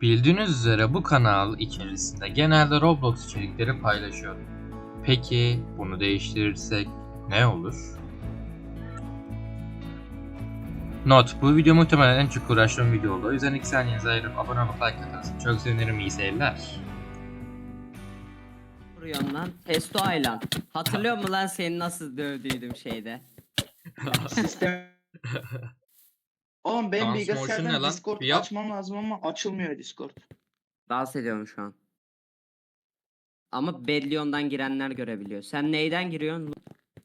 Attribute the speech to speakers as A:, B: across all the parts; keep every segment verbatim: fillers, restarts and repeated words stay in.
A: Bildiğiniz üzere bu kanal içerisinde genelde Roblox içerikleri paylaşıyorum. Peki bunu değiştirirsek ne olur? Not: bu video muhtemelen en çok uğraştığım video oldu. O yüzden iki saniyenizi ayırıp abone olup like atarsın. Çok sevinirim, iyi seyirler.
B: Vuruyorsun lan. Testo Aylan. Hatırlıyor musun lan seni nasıl dövdüydüm şeyde?
C: Sistem. Oğlum benim
A: Transmotion ne
C: bilgisayardan
A: lan?
C: Discord
A: Bir yap.
C: açmam lazım ama açılmıyor Discord.
B: Dans ediyorum şu an. Ama Bellion'dan girenler görebiliyor. Sen neyden giriyorsun?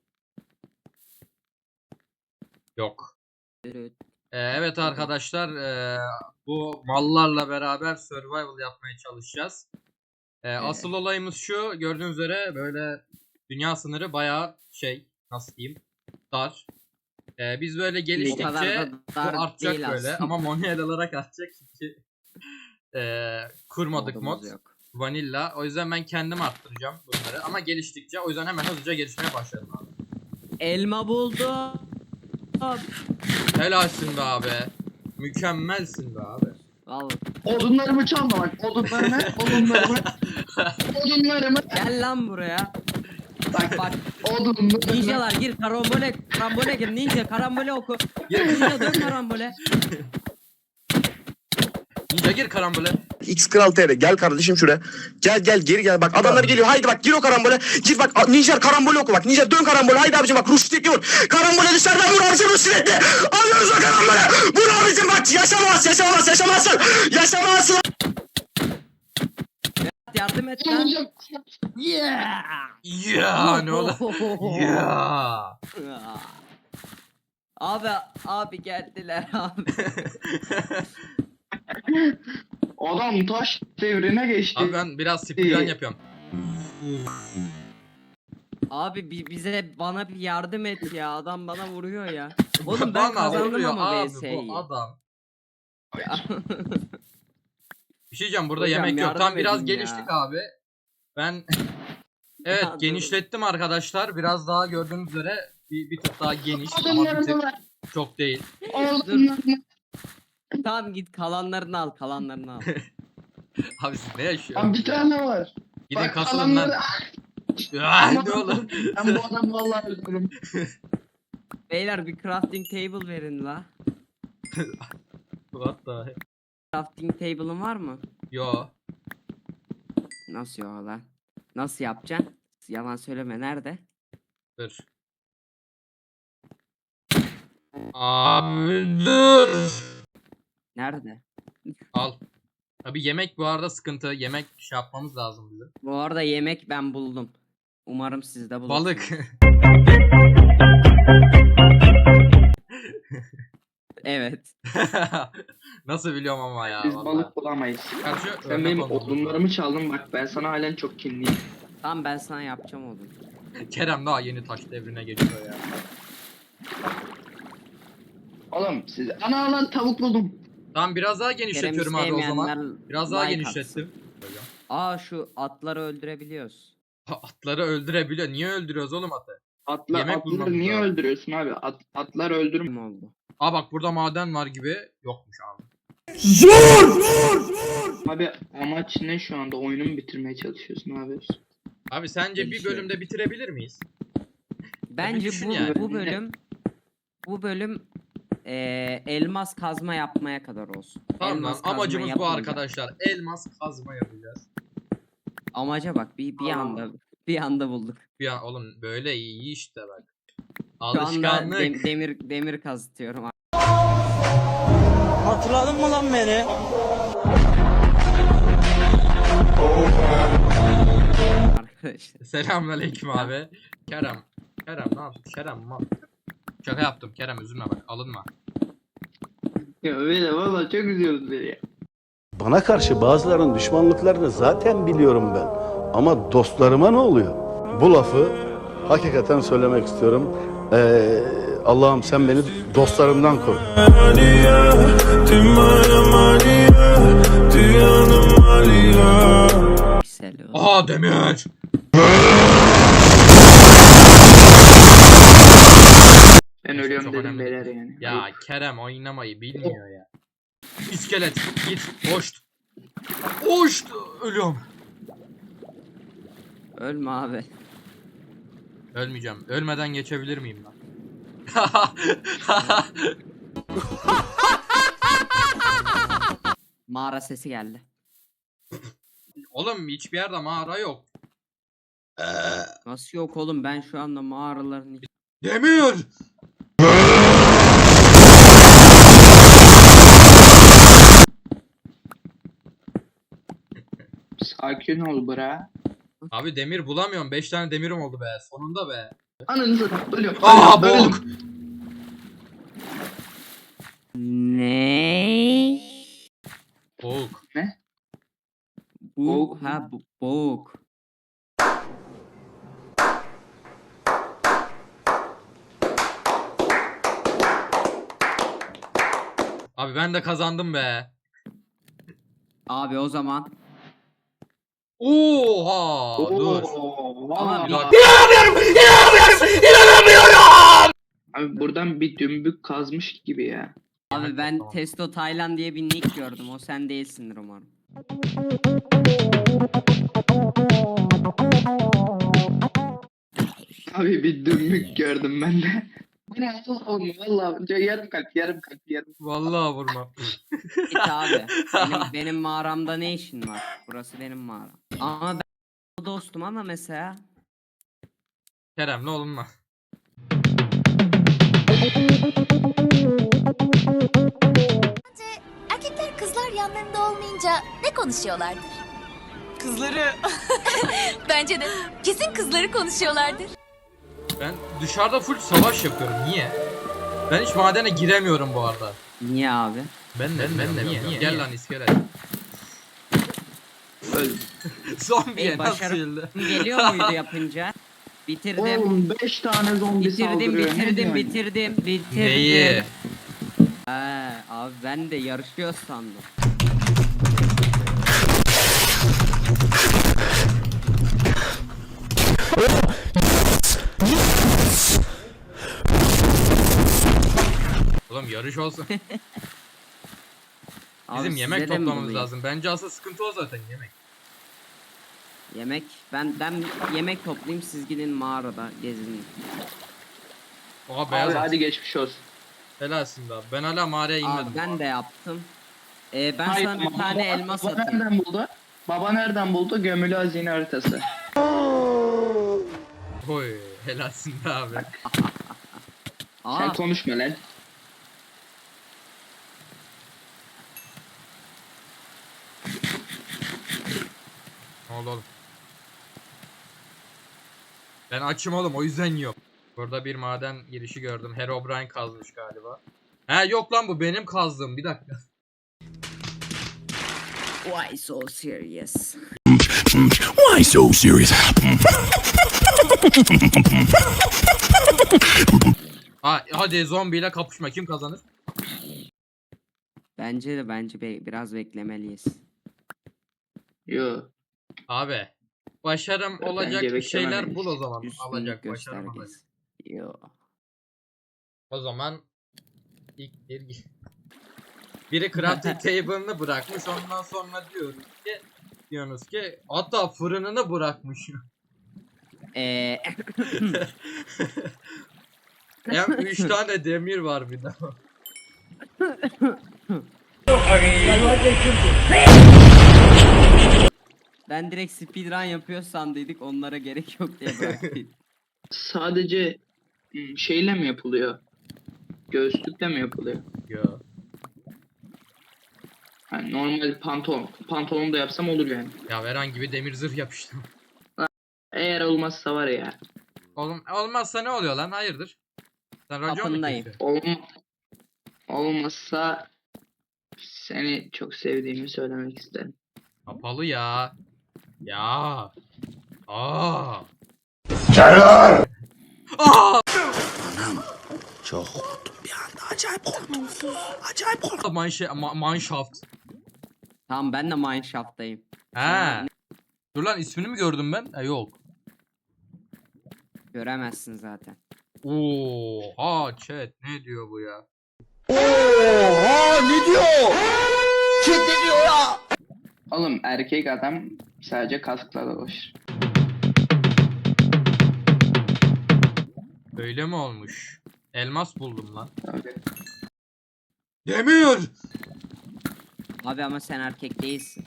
A: Yok.
B: Evet.
A: Ee, evet arkadaşlar, ee, bu mallarla beraber survival yapmaya çalışacağız. Ee, asıl olayımız şu: gördüğünüz üzere böyle dünya sınırı bayağı şey, nasıl diyeyim, dar. Ee, biz böyle
B: O kadar
A: geliştikçe
B: da dar
A: bu artacak
B: değil
A: böyle
B: aslında.
A: ama manuel olarak artacak çünkü ee, kurmadık
B: Modumuz
A: mod.
B: yok.
A: Vanilla. O yüzden ben kendim arttıracağım bunları ama geliştikçe, o yüzden hemen hızlıca gelişmeye başlayalım abi.
B: Elma buldum.
A: Helalsin be abi. Mükemmelsin be abi.
B: Vallahi.
C: Odunlarımı çalma bak. Odunlarımı, odunlarımı, odunlarımı.
B: Gel lan buraya. Bak bak.
C: Odunlarımı.
B: Ninjalar gir karambole. Karambole gir. Ninja karambole oku. Ninja dön karambole.
A: Ninja gir karambole.
D: X Kral T R gel kardeşim şuraya. Gel gel geri gel bak adamlar geliyor. Haydi bak gir o karambole. Gir bak Ninja karambole oku bak. Ninja dön karambole. Haydi abicim bak Rushdie'yi vur. Karambole dışarıdan vur abicim Rushdie'yi. Alıyoruz o karambole. Vur abicim bak yaşamaz yaşamaz yaşamazsın. Yaşamazsın.
B: Yardım et lan. Yeah.
A: Ya ne olur. Ya.
B: Abi abi geldiler abi.
C: Adam taş devrine geçti.
A: Abi ben biraz speedrun yapıyorum.
B: Abi bi- bize bana bir yardım et ya. Adam bana vuruyor ya. Oğlum ben
A: Bana
B: kazandım
A: vuruyor
B: ama
A: abi
B: V S'yi.
A: bu adam. Bir şey diyeceğim, burada
B: Hocam,
A: yemek yok.
B: yardım
A: Tam biraz
B: edin ya.
A: geliştik abi. Ben evet
B: Ya, dur.
A: genişlettim arkadaşlar. Biraz daha gördüğünüz üzere bir, bir tık daha geniş ama bir tık
C: Odunlarımı ver.
A: çok değil.
C: Odunlarımı.
B: Tamam git kalanlarını al kalanlarını al.
A: Abi siz ne
C: Abi
A: yaşıyorsunuz?
C: bir tane var.
A: Gidin
C: Bak,
A: kasılın lan.
C: kalanları-
A: Ah,
C: Ama
A: ne olur.
C: Ben bu adamı vallahi öldürürüm.
B: Beyler bir crafting table verin la.
A: What the heck?
B: Crafting table'ın var mı?
A: Yo.
B: Nasıl ya lan? Nasıl yapacaksın? Yalan söyleme nerede?
A: Dur. Abi dur.
B: Nerede?
A: Al. Abi yemek bu arada sıkıntı. Yemek şey yapmamız lazım bizim.
B: Bu arada yemek ben buldum. Umarım siz de bulursunuz.
A: Balık.
B: Evet.
A: Nasıl biliyorum ama ya.
C: Biz
A: vallahi.
C: balık bulamayız.
A: Karşı
C: Sen
A: örnek
C: benim
A: olmamız
C: odunlarımı çaldın bak ben sana halen çok kinliyim.
B: Tamam ben sana yapacağım onu.
A: lazım. Kerem daha yeni taş devrine geçiyor ya.
C: Oğlum siz ana lan tavuk buldum.
A: Tamam biraz daha genişletiyorum abi o zaman. Biraz daha
B: like
A: genişlettim.
B: atsın. Aa şu atları öldürebiliyoruz.
A: Atları öldürebiliyor. Niye öldürüyoruz oğlum atı?
C: Atlar,
A: Yemek
C: atları
A: bulmamız
C: niye
A: lazım.
C: öldürüyorsun abi? At, atlar öldürme.
B: Kim oldu?
A: Aa bak burada maden var gibi. Yokmuş abi.
C: Abi amaç ne şu anda? Oyunu mu bitirmeye çalışıyorsun abi?
A: Abi sence bir
C: Gelişiyor.
A: bölümde bitirebilir miyiz?
B: Bence
A: düşün
B: bu
A: yani.
B: bu bölüm bu bölüm eee, elmas kazma yapmaya kadar olsun.
A: Tamam lan,
B: Elmas kazma
A: amacımız bu
B: yapınca-
A: arkadaşlar. Elmas kazma yapacağız.
B: Amaca bak bir bir
C: Aa.
B: anda bir anda bulduk.
A: Ya oğlum böyle iyi işte bak.
B: Şu anda
A: Alışkanlık.
B: dem- demir demir kazıtıyorum
E: Hatırladın mı lan beni?
B: arkadaşlar.
A: Selamünaleyküm abi. Kerem. Kerem ne yaptın? Kerem mal. Şaka yaptım Kerem, üzülme bak, alınma.
C: Ya öyle valla çok üzüyoruz beni ya.
F: Bana karşı bazılarının düşmanlıklarını zaten biliyorum ben. Ama dostlarıma ne oluyor? Bu lafı hakikaten söylemek istiyorum. Ee, Allah'ım sen beni dostlarımdan koru.
B: Piksel o.
A: Aha demir.
C: Ben
A: Neyse,
C: ölüyorum
A: çok
C: dedim
A: önemli
C: beyler
A: değil.
C: yani.
A: Ya Kerem oynamayı bilmiyor ya. İskelet git boş. Uç! Ölüyorum.
B: Ölme abi.
A: Ölmeyeceğim. Ölmeden geçebilir miyim ben?
B: Mağara sesi geldi.
A: Oğlum hiçbir yerde mağara yok.
B: Nasıl yok oğlum, ben şu anda mağaraların iç-
A: Demir!
C: Sakin ol bra.
A: Abi demir bulamıyorum. beş tane demirim oldu be. Sonunda be.
C: Ananı satayım. Ölüyorum.
A: Aa
C: Ölüyorum.
A: bok!
B: Ne?
A: Bok.
B: Bu
C: Boğuk
B: ha bu boğuk.
A: Abi ben de kazandım be.
B: Abi o zaman
A: Oha! Dur.
C: Oo,
B: Ama
A: Bir
B: bir-
A: dakika.
C: Abi buradan bir dümbük kazmış gibi ya.
B: abi ben
A: Tamam.
B: Testo Taylan diye bir nick gördüm. O sen değilsindir umarım.
C: Abi bir dümbük gördüm ben de. Bu ne Allah'ım vallahi yarım kalp yarım kalp yarım.
A: Vallahi vurma.
B: Git abi. Benim, benim mağaramda ne işin var? Burası benim mağaram. Ama ben dostum ama mesela
A: Kerem ne olunma.
E: Erkekler kızlar yanlarında olmayınca ne konuşuyorlardır? Kızları. Bence de. Kesin kızları konuşuyorlardır.
A: Ben dışarıda full savaş yapıyorum. Niye? Ben hiç madene giremiyorum bu arada.
B: niye abi?
A: Ben de ben, de niye?
B: niye?
A: Gel lan iskelet.
C: Öl.
A: Zombiye
B: Ey,
A: nasıl
B: başarı-
A: öldü?
B: Geliyor muydu yapınca? Bitirdim.
C: Oğlum beş tane zombi
B: Bitirdim,
C: saldırıyor. Ne
B: bitirdim,
C: diyorsun?
B: bitirdim, bitirdim.
A: Neyi?
B: He, abi ben de yarışıyor sandım.
A: Oğlum yarış olsun.
B: Abi
A: Bizim yemek
B: size de mi
A: toplamamız
B: bulayım?
A: lazım. Bence asıl sıkıntı o zaten yemek.
B: Yemek, ben ben yemek toplayayım, siz gidin mağarada gezin.
A: Oha beyaz
C: Abi
A: at.
C: hadi geçmiş olsun.
A: Helalsin be abi. Ben hala mağaraya inmedim.
B: Abi ben de yaptım. Ee, ben
C: Hayır,
B: sana bir
C: baba-
B: tane elmas
C: baba
B: atayım.
C: nereden buldu? Baba nereden buldu? Gömülü hazine haritası.
A: Oy helalsin be abi.
B: Aa,
C: Sen konuşma lan.
A: Ne oldu oğlum? Ben açım oğlum o yüzden yok. Burada bir maden girişi gördüm. Herobrine kazmış galiba. He yok lan bu benim kazdığım. Bir dakika.
B: why so serious?
G: Why so serious?
A: Ha, hadi zombiyle kapışma. Kim kazanır?
B: Bence de bence be- biraz beklemeliyiz.
C: Yo.
A: Abi. Başarım
C: Bence
A: olacak bir şeyler
C: beklememeyiz.
A: bul o zaman.
B: Üstünlük
A: Alacak başarım olacak.
B: göstergesi. Yo.
A: O zaman ilk bir biri crafting table'ını bırakmış ondan sonra diyoruz ki diyorsunuz ki hatta fırınını bırakmış.
B: Ee,
A: Hem üç tane demir var bir daha.
B: ben direkt speedrun yapıyor sandıydık, onlara gerek yok diye bıraktım.
C: Sadece hmm, şeyle mi yapılıyor? Göğüslükle mi yapılıyor?
A: Yo.
C: Yani normal pantolon. Pantolon da yapsam olur yani.
A: Ya herhangi bir demir zırh yapıştım.
C: Eğer olmazsa var ya.
A: Oğlum olmazsa ne oluyor lan? Hayırdır? Sen racon mu
B: Kapındayım.
A: kesiyorsun?
C: Olm olmazsa seni çok sevdiğimi söylemek isterim.
A: Kapalı ya. Ya. Aa.
G: Çaylar!
A: Aa.
G: Çok korktum bir anda. Acayip korktum. Acayip korktum.
A: Manşe ma Mineshaft.
B: Tamam, ben de mineshaft'tayım.
A: He. Dur lan ismini mi gördüm ben? Ha yok.
B: Göremezsin zaten.
A: Oha chat ne diyor bu ya?
G: Oha ne diyor? Kim ne diyor ya?
C: Oğlum erkek adam sadece kaskla dolaşır.
A: Öyle mi olmuş? Elmas buldum lan.
C: Tabii.
A: Demir!
B: Abi ama sen erkek değilsin.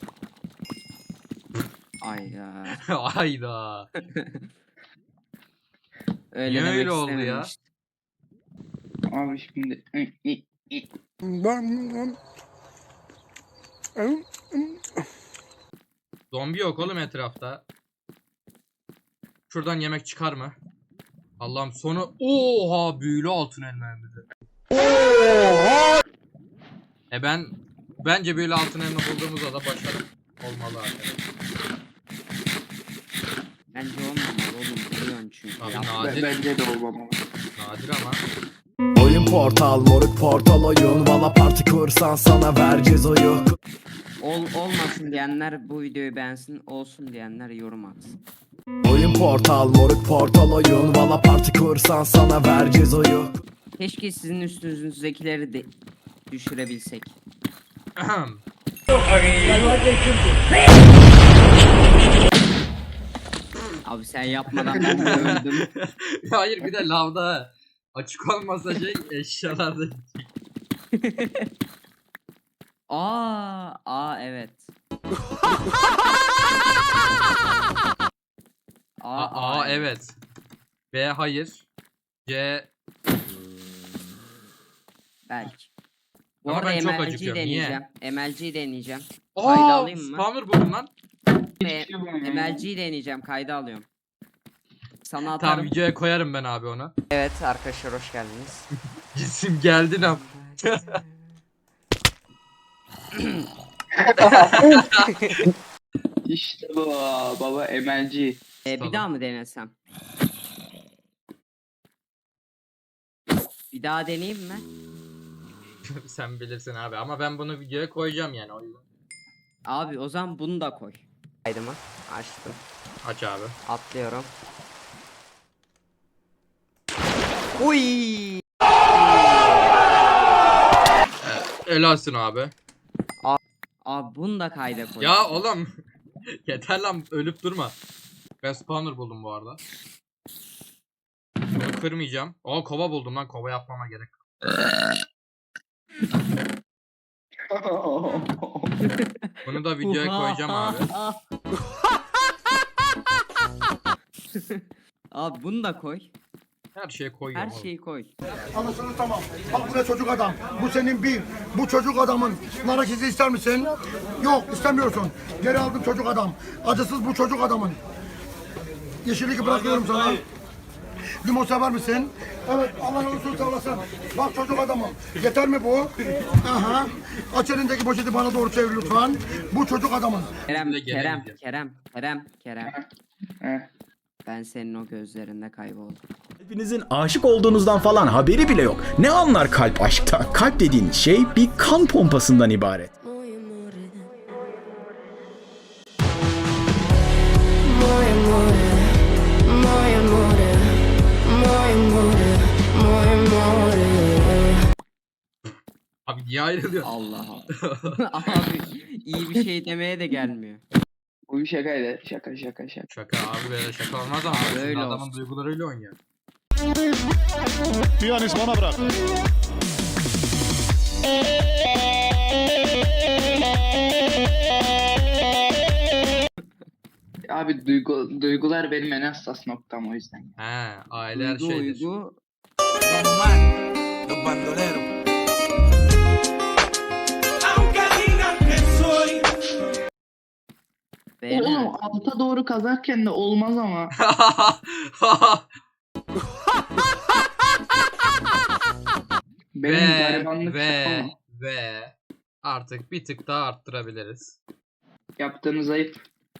B: Ayda.
A: Hayda.
B: Öyle
A: Niye
B: demek
A: öyle oldu ya?
B: istememiştim.
C: Abi şimdi
A: Zombi yok oğlum etrafta. Şuradan yemek çıkar mı? Allah'ım sonu oha büyülü altın elmamızı. Oha! E ben bence büyülü altın elma bulduğumuzda da başarı olmalı arkadaşlar.
B: Bence olmamalı oğlum. Biliyorsun çünkü.
A: Abi
B: Ya.
A: nadir,
C: bence de olmamalı.
A: nadir ama.
G: Oyun portal moruk portal oyun. Valla parti kursan sana vereceğiz oyu.
B: Ol, olmasın diyenler bu videoyu beğensin. Olsun diyenler yorum atsın.
G: Oyun portal moruk portal oyun. Valla parti kursan sana vereceğiz oyu.
B: Keşke sizin üstünüzdekileri de düşürebilsek. Abi sen yapmadan ben de öldüm.
A: Hayır bir de lavda açık olmasa şey eşyalarda.
B: Aa, aa evet.
A: A, A evet. B hayır. C
B: Belki. Bu
A: Ama
B: arada
A: ben çok
B: M L G'yi
A: acıkıyorum, niye?
B: deneyeceğim. M L G'yi deneyeceğim. Kayda
A: Aa,
B: alayım mı?
A: spawner buldum lan.
B: E, M L G'yi deneyeceğim. Kayda alıyorum. Sana
A: Tamam
B: atarım.
A: videoya koyarım ben abi onu.
B: Evet arkadaşlar hoş geldiniz.
A: Cisim geldi lan.
C: İşte bu baba M L G.
B: E,
A: Tamam.
B: bir daha mı denesem? Bir daha deneyeyim mi?
A: Sen bilirsin abi ama ben bunu videoya koyacağım yani o yüzden.
B: Abi o zaman bunu da koy. Kaydımı açtım.
A: Aç abi.
B: Atlıyorum. Uy!
A: Helalsin abi.
B: Abi bunu da kayda koy.
A: Ya oğlum. Yeter lan ölüp durma. Ben spawner buldum bu arada. Bunu kırmayacağım. Aa kova buldum lan kova yapmama gerek. Bunu da videoya koyacağım abi.
B: Abi bunu da koy.
A: Her şeye koyuyorum
B: Her
A: oğlum.
B: şeyi koy.
H: Anasını tamam. Bak bu ne çocuk adam. Bu senin bir. Bu çocuk adamın. Nar izi ister misin? Yok istemiyorsun. Geri aldım çocuk adam. Acısız bu çocuk adamın. Yeşillik bırakıyorum sana. Limon sever misin? Evet Allah razı olsun sağ olasın. Bak çocuk adamım. Yeter mi bu? Aha. Aç elindeki poşeti bana doğru çevir lütfen. Bu çocuk adamın.
B: Kerem,
A: Bizimle
B: Kerem,
A: gelemeyeceğim.
B: Kerem, Kerem, Kerem.
C: Heh.
B: Ben senin o gözlerinde kayboldum.
I: Hepinizin aşık olduğunuzdan falan haberi bile yok. Ne anlar kalp aşkta? Kalp dediğin şey bir kan pompasından ibaret.
A: Abi niye ayrılıyor?
B: Allah Allah. Abi iyi bir şey demeye de gelmiyor.
C: Bu bir şakaydı. Şaka şaka şaka.
A: Şaka abi böyle şaka olmaz ama
B: Abi
A: şimdi
B: öyle
A: adamın
B: olsun.
A: duygularıyla oynuyor.
F: Piyanist bana bırak.
C: Abi duygu, duygular benim en hassas noktam o yüzden.
A: He aile her
B: Duygu
A: şeydir.
B: uygu.
G: Los bandoleros.
B: Beyler.
C: Oğlum alta doğru kazarken de olmaz ama. Benim
A: ve
C: garibanlık
A: ve
C: şakam.
A: ve artık bir tık daha arttırabiliriz.
C: Yaptığınız ayıp.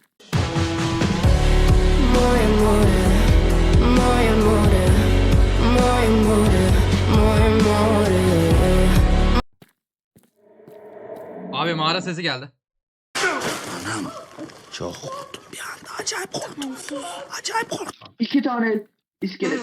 A: Abi mağara sesi geldi.
G: Anam çok korktum bir anda. Acayip korktum. Acayip korktum.
C: İki tane iskelet.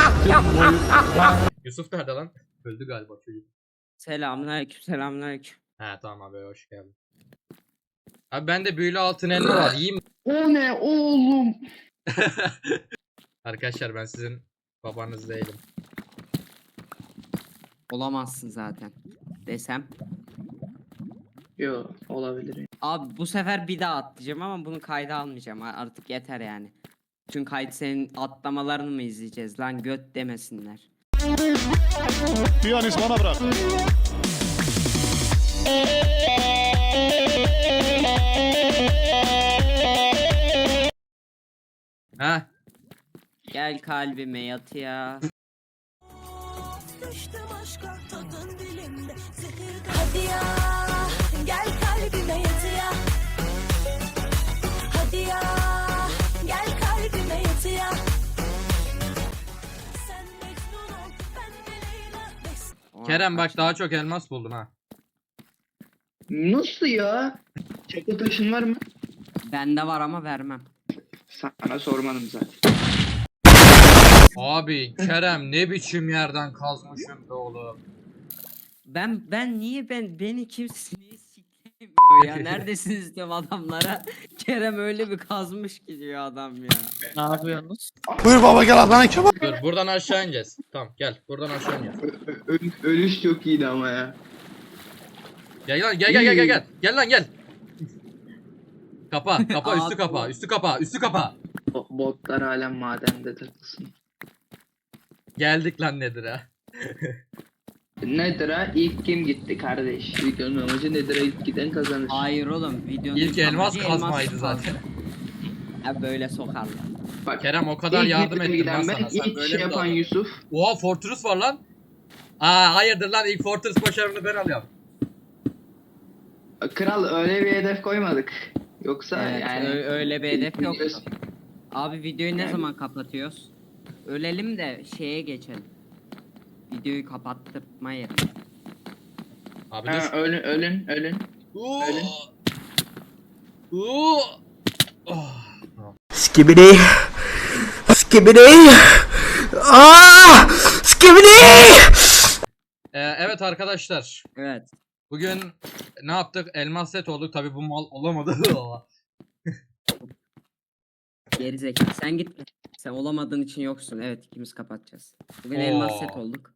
A: Yusuf nerede lan? Öldü galiba çocuk.
B: Selamünaleyküm, selamünaleyküm.
A: He tamam abi hoş geldin. Abi bende büyülü altın elma var. Yiyeyim mi?
C: O ne oğlum?
A: Arkadaşlar ben sizin babanız değilim.
B: Olamazsın zaten. Desem.
C: Yo olabilir.
B: Abi bu sefer bir daha atlayacağım ama bunu kayda almayacağım. A- Artık yeter yani. Çünkü kayıt senin atlamalarını mı izleyeceğiz lan, göt demesinler.
F: Piyanist bana bırak.
A: Heh.
B: Gel kalbime yat ya.
E: Hadi ya gel kalbime yat ya. Hadi ya gel kalbime yat ya. Sen Mecnun ol ben de Leyla.
B: Oha,
A: Kerem bak
B: kaç-
A: daha çok elmas buldum ha.
C: Nasıl ya? Çakıl taşın var mı?
B: Bende var ama vermem.
C: Sana sormadım zaten.
A: Abi Kerem ne biçim yerden kazmışım be oğlum.
B: Ben ben niye ben beni kimse niye siklemiyor ya? Neredesiniz diyorum adamlara. Kerem öyle bir kazmış gidiyor adam ya.
C: Ne yapıyorsunuz?
F: Buyur baba gel ablana kebap.
A: Dur buradan aşağı ineceğiz. Tamam gel buradan aşağı ineceğiz.
C: Ölüş çok iyiydi ama ya.
A: Gel lan gel gel gel gel gel. Gel lan gel. Kapa kapa üstü
B: Abi.
A: kapa üstü kapa üstü kapa.
C: O botlar hala madende takılsın.
A: Geldik lan nedir ha.
C: Nedir ha? İlk kim gitti kardeş? Videonun amacı nedir ha? İlk giden kazanır.
B: Hayır oğlum, videonun
A: İlk elmas
B: amacı
A: kazmaydı
B: elmas
A: zaten.
B: kazma. Ha böyle sokarlar.
C: Bak,
A: Kerem o kadar
C: ilk
A: yardım
C: giden
A: ettim ben
C: giden
A: sana.
C: ben,
A: Sen
C: ilk
A: böyle
C: şey
A: mi
C: yapan
A: davrandın?
C: Yusuf.
A: Oha Fortress var lan. Aa hayırdır lan ilk Fortress başarımını ben alıyorum.
C: Kral öyle bir hedef koymadık. Yoksa
B: Evet,
C: yani
B: ö- öyle bir hedef yok.
C: Biliyorsun.
B: Abi videoyu ne
C: Yani-
B: zaman kapatıyoruz? Ölelim de şeye geçelim. Videoyu kapattırmayalım.
A: Abi
C: Ha,
A: dur.
C: ölün ölün ölün.
A: Oo.
C: öyle.
A: Oo. Oh.
G: Skibidi. Skibidi. Aa! Skibidi!
A: Ee, evet arkadaşlar.
B: Evet.
A: Bugün ne yaptık? Elmas set olduk. Tabi bu mal olamadı.
B: Gerizekalı. Sen git. Sen olamadığın için yoksun. Evet, ikimiz kapatacağız. Bugün elmas set
A: Oo.
B: olduk.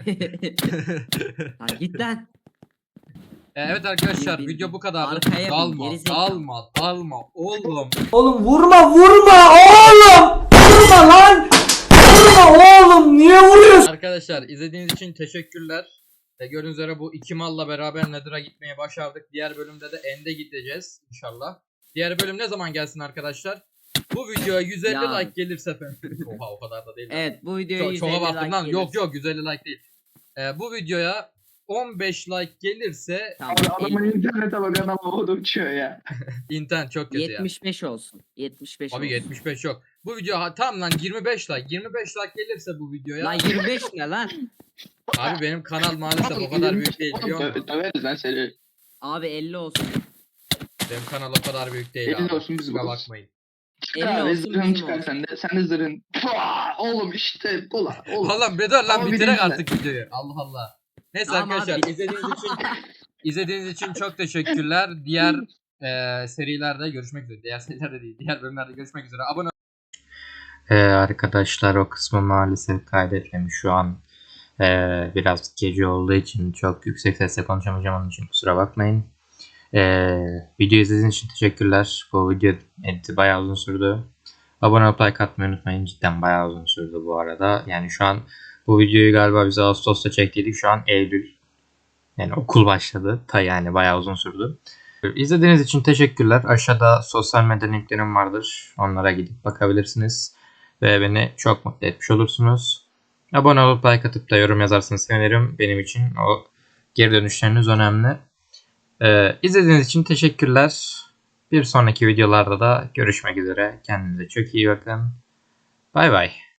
B: Lan git lan.
A: Ee, evet arkadaşlar
B: Bin, bin,
A: video
B: bin.
A: bu kadar.
B: Arkaya bin,
A: Dalma,
B: gerizekalı.
A: dalma, dalma. Oğlum.
J: Oğlum vurma vurma oğlum. Vurma lan. Vurma oğlum. Niye vuruyorsun?
A: Arkadaşlar izlediğiniz için teşekkürler. E, gördüğünüz üzere bu iki malla beraber Nether'a gitmeye başardık. Diğer bölümde de End'e gideceğiz inşallah. Diğer bölüm ne zaman gelsin arkadaşlar? Bu videoya yüz elli
B: Ya.
A: like gelirse efendim. Oha o kadar da değil.
B: Evet, bu videoya
A: Çok,
B: yüz
A: çoğa
B: elli
A: baktım
B: like
A: lan.
B: gelirse-
A: Yok yok yüz elli like değil. E, bu videoya on beş like gelirse
B: Tamam,
C: Abi adamın internete bak adam havada uçuyor ya.
A: internet çok kötü ya.
B: yetmiş beş olsun. yetmiş beş
A: Abi
B: olsun.
A: yetmiş beş yok. Bu video ha, tam lan yirmi beş like. yirmi beş like gelirse bu videoya.
B: Lan yirmi beş ne lan?
A: Abi benim kanal maalesef o kadar büyük değil biliyor musun?
C: Oğlum, Döveriz lan seni.
B: Abi elli olsun.
A: Benim kanal o kadar büyük değil
C: elli
A: abi.
C: olsun biz
A: Kusura
C: buluruz.
A: bakmayın.
C: Çıkar
B: elli
C: abi
B: olsun,
C: zırhını
B: bizim
C: çıkar
B: olsun.
C: sen de. Sen de zırhın. Pua! Oğlum işte ulan oğlum.
A: Oğlum bir dur lan
C: Ama
A: bitirek
C: birinci
A: artık videoyu. Allah Allah. Neyse
B: Tamam
A: arkadaşlar
B: abi.
A: izlediğiniz için izlediğiniz için çok teşekkürler. Diğer eee serilerde görüşmek üzere. Diğer serilerde değil. Diğer bölümlerde görüşmek üzere. Abone ee, arkadaşlar o kısmı maalesef kaydetmemiş şu an. Ee, biraz gece olduğu için çok yüksek sesle konuşamayacağım onun için kusura bakmayın. Ee, video izlediğiniz için teşekkürler. Bu video editi bayağı uzun sürdü. Abone olup like atmayı unutmayın. Cidden bayağı uzun sürdü bu arada. Yani şu an bu videoyu galiba biz Ağustos'ta çektiydik. Şu an Eylül. Yani okul başladı. Ta yani bayağı uzun sürdü. İzlediğiniz için teşekkürler. Aşağıda sosyal medya linklerim vardır. Onlara gidip bakabilirsiniz. Ve beni çok mutlu etmiş olursunuz. Abone olup like atıp da yorum yazarsanız sevinirim. Benim için o geri dönüşleriniz önemli. Ee, izlediğiniz için teşekkürler. Bir sonraki videolarda da görüşmek üzere. Kendinize çok iyi bakın. Bay bay.